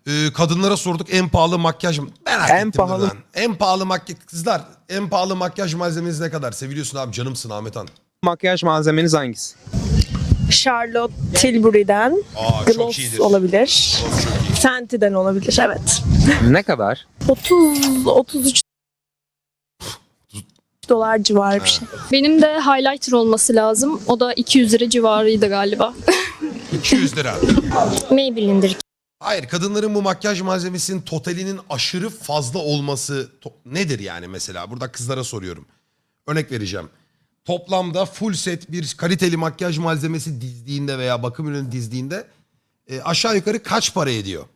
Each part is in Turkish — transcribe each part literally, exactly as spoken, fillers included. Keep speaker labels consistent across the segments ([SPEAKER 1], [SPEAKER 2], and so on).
[SPEAKER 1] Ee, kadınlara sorduk en pahalı makyaj mı? Merak
[SPEAKER 2] En
[SPEAKER 1] ettim
[SPEAKER 2] pahalı-
[SPEAKER 1] lan. En pahalı makyaj... Kızlar en pahalı makyaj malzemeniz ne kadar? Seviliyorsun abi, canımsın Ahmet Han.
[SPEAKER 2] Makyaj malzemeniz hangisi?
[SPEAKER 3] Charlotte Tilbury'den
[SPEAKER 1] Aa, çok
[SPEAKER 3] Gloss
[SPEAKER 1] iyidir.
[SPEAKER 3] olabilir.
[SPEAKER 1] Gloss çok iyi.
[SPEAKER 3] Fenty'den olabilir, evet.
[SPEAKER 2] Ne kadar?
[SPEAKER 3] otuz otuz üç dolar civarı bir şey.
[SPEAKER 4] Benim de highlighter olması lazım. O da iki yüz lira civarıydı galiba.
[SPEAKER 1] iki yüz lira.
[SPEAKER 4] Maybelline'dir.
[SPEAKER 1] Hayır, kadınların bu makyaj malzemesinin totalinin aşırı fazla olması to- nedir yani mesela? Burada kızlara soruyorum. Örnek vereceğim. Toplamda full set bir kaliteli makyaj malzemesi dizdiğinde veya bakım ürünü dizdiğinde e, aşağı yukarı kaç para ediyor?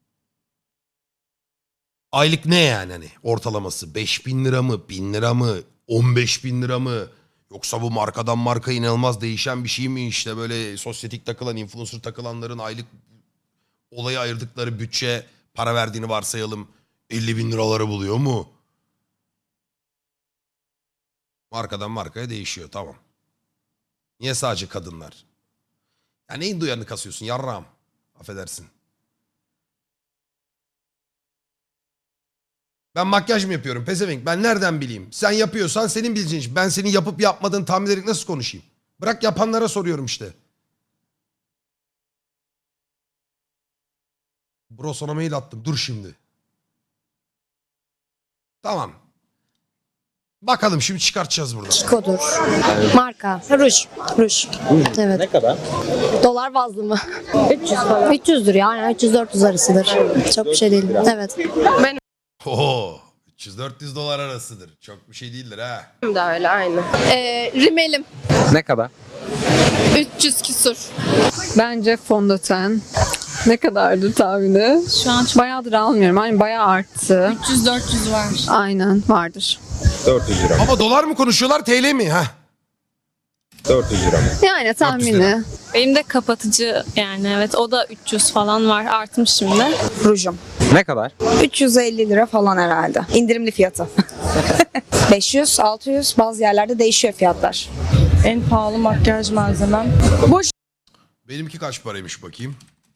[SPEAKER 1] Aylık ne yani hani ortalaması? beş bin lira mı? bin lira mı? on beş bin lira mı? Yoksa bu markadan marka inanılmaz değişen bir şey mi? İşte böyle sosyetik takılan, influencer takılanların aylık olaya ayırdıkları bütçe, para verdiğini varsayalım, elli bin liraları buluyor mu? Markadan markaya değişiyor, tamam. Niye sadece kadınlar? Ya neyin duyarını kasıyorsun yarrağım? Affedersin. Ben makyaj mı yapıyorum pezevenk? Ben nereden bileyim? Sen yapıyorsan senin bileceğin iş. Ben senin yapıp yapmadığını tahmin ederek nasıl konuşayım? Bırak yapanlara soruyorum işte. Bro sana mail attım. Dur şimdi. Tamam. Bakalım şimdi çıkartacağız buradan.
[SPEAKER 5] Kiko'dur. Marka. Ruj. Ruj. Evet.
[SPEAKER 2] Ne kadar?
[SPEAKER 5] Dolar bazlı mı? üç yüz falan. üç yüzdür ya. Yani üç yüz dört yüz arasıdır. Çok bir şey değil. Evet.
[SPEAKER 1] Oo, üç yüz dört yüz dolar arasıdır. Çok bir şey değildir ha.
[SPEAKER 6] da öyle aynı.
[SPEAKER 7] Ee, rimelim
[SPEAKER 2] Ne kadar?
[SPEAKER 7] üç yüz küsur.
[SPEAKER 6] Bence fondöten. Ne kadardı tahmini?
[SPEAKER 7] Şu an
[SPEAKER 6] Bayağıdır almıyorum. Hani bayağı arttı.
[SPEAKER 7] üç yüz dört yüz var.
[SPEAKER 6] Aynen vardır.
[SPEAKER 2] dört yüz lira.
[SPEAKER 1] Ama dolar mı konuşuyorlar T L mi? Ha?
[SPEAKER 2] dört yüz lira mı?
[SPEAKER 6] Yani
[SPEAKER 1] lira.
[SPEAKER 6] tahmini.
[SPEAKER 4] Benim de kapatıcı yani evet o da üç yüz falan var. Artmış şimdi.
[SPEAKER 8] Rujum.
[SPEAKER 2] Ne kadar?
[SPEAKER 8] üç yüz elli lira falan herhalde. İndirimli fiyatı. beş yüz, altı yüz bazı yerlerde değişiyor fiyatlar.
[SPEAKER 3] En pahalı makyaj malzemem.
[SPEAKER 1] Benimki kaç paraymış bakayım.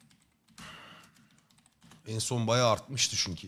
[SPEAKER 1] En son bayağı artmıştı çünkü.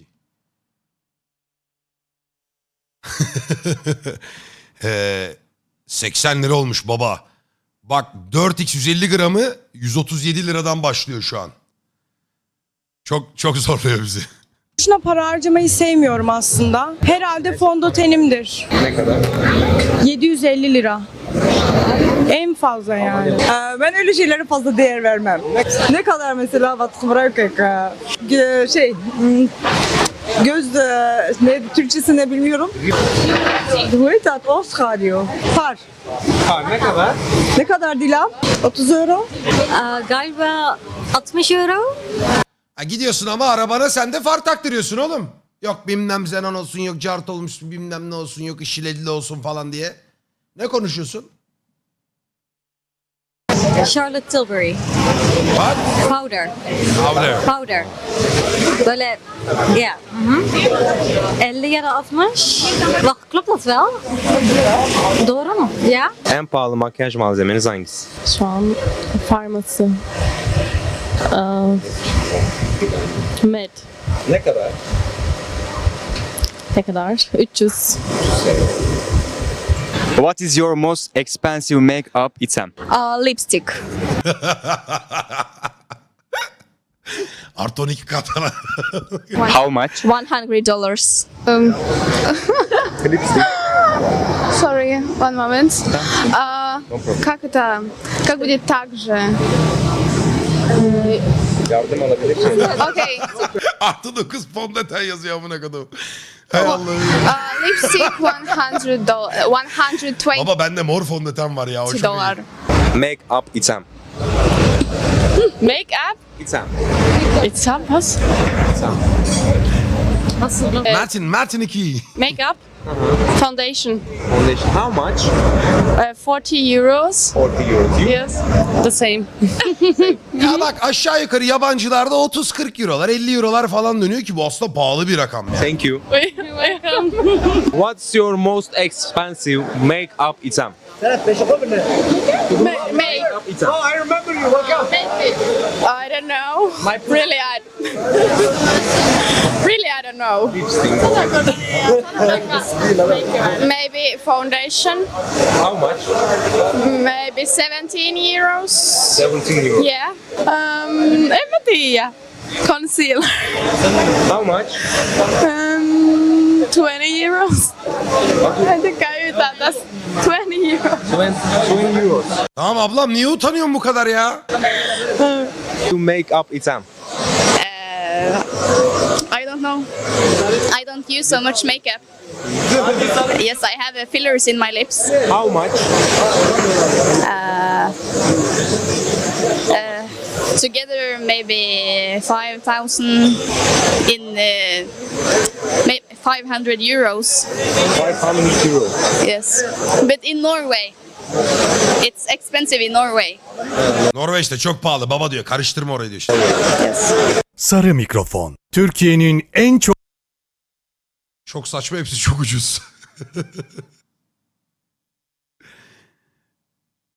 [SPEAKER 1] ee, seksen lira olmuş baba. Bak dört x yüz elli gramı yüz otuz yedi liradan başlıyor şu an. Çok çok zorluyor bizi.
[SPEAKER 3] Şuna para harcamayı sevmiyorum aslında. Herhalde fondötenimdir.
[SPEAKER 2] Ne kadar?
[SPEAKER 3] yedi yüz elli lira. En fazla yani.
[SPEAKER 8] Ee, ben öyle şeylere fazla değer vermem. Ne kadar mesela batkı bırakık şey hmm, göz e, ne Türkçesi ne bilmiyorum. Duetat Oscar diyor. Par.
[SPEAKER 2] Par ne kadar?
[SPEAKER 8] Ne kadar Dilan? otuz euro.
[SPEAKER 5] galiba altmış euro.
[SPEAKER 1] Ha, gidiyorsun ama arabana sen de far taktırıyorsun oğlum. Yok bilmem xenon olsun, yok cart olmuş bilmem ne olsun, yok işileli olsun falan diye. Ne konuşuyorsun?
[SPEAKER 5] Charlotte Tilbury.
[SPEAKER 1] Bak.
[SPEAKER 5] Powder.
[SPEAKER 1] Powder.
[SPEAKER 5] Powder. Böyle ya. elli ya da altmış. Bak, klopt dat wel? Doğru mu? Ya.
[SPEAKER 2] En pahalı makyaj malzemeniz hangisi?
[SPEAKER 4] Şu an farması. Med.
[SPEAKER 2] Ne kadar?
[SPEAKER 4] Ne kadar? üç yüz.
[SPEAKER 9] What is your most expensive makeup item?
[SPEAKER 7] Aa, lipstick.
[SPEAKER 1] Artı on iki katana.
[SPEAKER 9] How much?
[SPEAKER 7] one hundred dollars. Um,
[SPEAKER 10] Sorry, one moment. А, как это? Как будет так же?
[SPEAKER 2] Yardım alabilirsin.
[SPEAKER 10] Окей.
[SPEAKER 1] Artı dokuz fondöten yazıyor amına kodum. Hay Allah'ım.
[SPEAKER 10] А, Lipstick one hundred dollars. one hundred twenty
[SPEAKER 1] Baba bende mor fondöten var ya. O çok
[SPEAKER 10] dolar.
[SPEAKER 1] iyi.
[SPEAKER 2] Make-up item.
[SPEAKER 7] Make up.
[SPEAKER 2] İtem.
[SPEAKER 7] It's up. Was?
[SPEAKER 1] Martin, Martin iki.
[SPEAKER 7] Make up. Foundation.
[SPEAKER 2] Foundation. How much?
[SPEAKER 7] Uh, forty euros.
[SPEAKER 2] forty euro.
[SPEAKER 7] Yes. The same.
[SPEAKER 1] Ya bak aşağı yukarı yabancılarda otuz kırk eurolar, elli eurolar falan dönüyor ki bu aslında pahalı bir rakam ya.
[SPEAKER 2] Thank you.
[SPEAKER 7] Welcome.
[SPEAKER 2] What's your most expensive make-up item?
[SPEAKER 7] Make.
[SPEAKER 2] Item.
[SPEAKER 10] I don't know. Really, I don't know. Maybe foundation.
[SPEAKER 2] How much?
[SPEAKER 10] Maybe seventeen euros.
[SPEAKER 2] seventeen euros.
[SPEAKER 10] Yeah. Um, en mä tiedä. Concealer.
[SPEAKER 2] How much?
[SPEAKER 10] Um, twenty euros. En tykkää yhtään tästä. twenty euros.
[SPEAKER 2] twenty euros.
[SPEAKER 1] Tamam ablam niye utanıyorsun bu kadar ya?
[SPEAKER 2] To make up exam.
[SPEAKER 10] Uh, I don't know.
[SPEAKER 4] I don't use so much makeup. Yes, I have uh, fillers in my lips.
[SPEAKER 2] How much?
[SPEAKER 4] Uh, uh, together, maybe five thousand in uh, maybe five hundred euros.
[SPEAKER 2] five hundred euros.
[SPEAKER 4] Yes, but in Norway, it's expensive in Norway.
[SPEAKER 1] Norveç'te çok pahalı baba diyor. Karıştırma orayı diyor işte.
[SPEAKER 4] Yes.
[SPEAKER 11] Sarı mikrofon. Türkiye'nin en çok
[SPEAKER 1] Çok saçma hepsi çok ucuz.